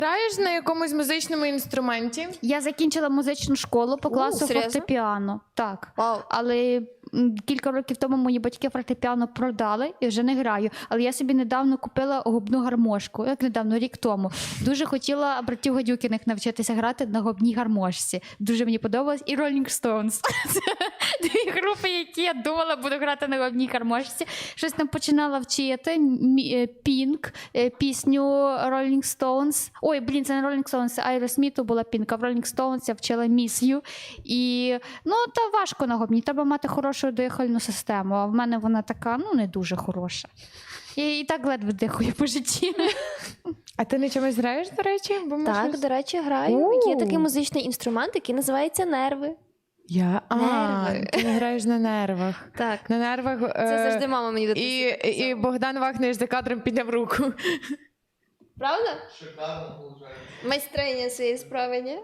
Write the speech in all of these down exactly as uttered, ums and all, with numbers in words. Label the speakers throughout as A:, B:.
A: Граєш на якомусь музичному інструменті?
B: Я закінчила музичну школу по класу
C: серйозно?
B: фортепіано. Так.
C: Вау.
B: Але м, кілька років тому мої батьки фортепіано продали і вже не граю. Але я собі недавно купила губну гармошку. Як недавно, рік тому. Дуже хотіла братів Гадюкіних навчитися грати на губній гармошці. Дуже мені подобалось. І Rolling Stones. Це дві групи, які я думала, буду грати на губній гармошці. Щось там починала вчити. Pink, пісню Rolling Stones. Ой, блін, це не Rolling Stones, це Aerosmith була Pink, а в Rolling Stones я вчила Miss You. І, ну, та важко на губній. Треба мати хорошу дихальну систему, а в мене вона така, ну, не дуже хороша. І, і так ледве дихаю по житті.
A: А ти на чомусь граєш, до речі? Бо ми
C: Так,
A: щось-
C: до речі, граю.
A: У.
C: Є такий музичний інструмент, який називається нерви.
A: Я, а,
C: Нерви.
A: ти не граєш на нервах.
C: Так.
A: На нервах.
C: Це
A: е,
C: завжди мама мені
A: І,
C: дитинстві
A: і
C: казала.
A: Богдан Вахнеш за кадром підняв руку.
C: Правда?
D: Шикарно виходить.
C: Майстриня цієї справи, ні?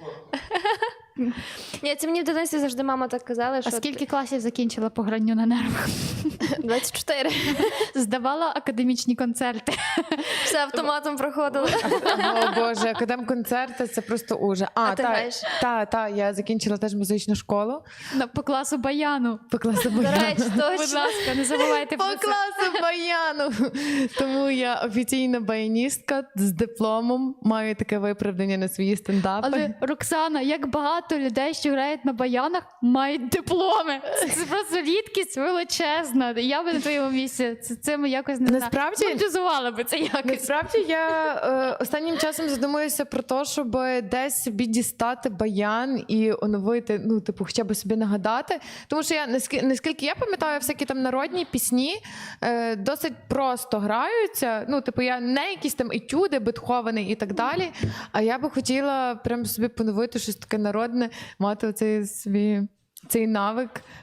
C: Ні, це мені в дитинстві завжди мама так казала,
B: А
C: що
B: скільки класів закінчила по гранню на нервах?
C: двадцять чотири.
B: Здавала академічні концерти.
C: Все автоматом проходило.
A: О Боже, академ-концерти, це просто ужас.
C: А ти
A: та,
C: граєш?
A: та, та, я закінчила теж музичну школу.
B: На- По класу баяну.
A: По класу
C: До
A: баяну.
C: речі,
B: Будь
C: точно.
B: ласка, не забувайте
A: По
B: про це.
A: класу баяну. Тому я офіційна баяністка з дипломом. Маю таке виправдання на свої стендапи.
B: Але, Роксана, як багато людей, що грають на баянах, мають дипломи. Це, це просто рідкість величезна. Я би на твоєму місці це, цим якось не
A: Насправді-
B: монетизувала би це якось.
A: Насправді я е, останнім часом задумуюся про те, щоб десь собі дістати баян і оновити, ну, типу, хоча б собі нагадати. Тому що я, наскільки, наскільки я пам'ятаю, всякі там народні пісні е, досить просто граються. Ну, типу, я не якісь там етюди, Бетховени і так далі. А я би хотіла прям собі поновити щось таке народне, мати оцей свій цей навик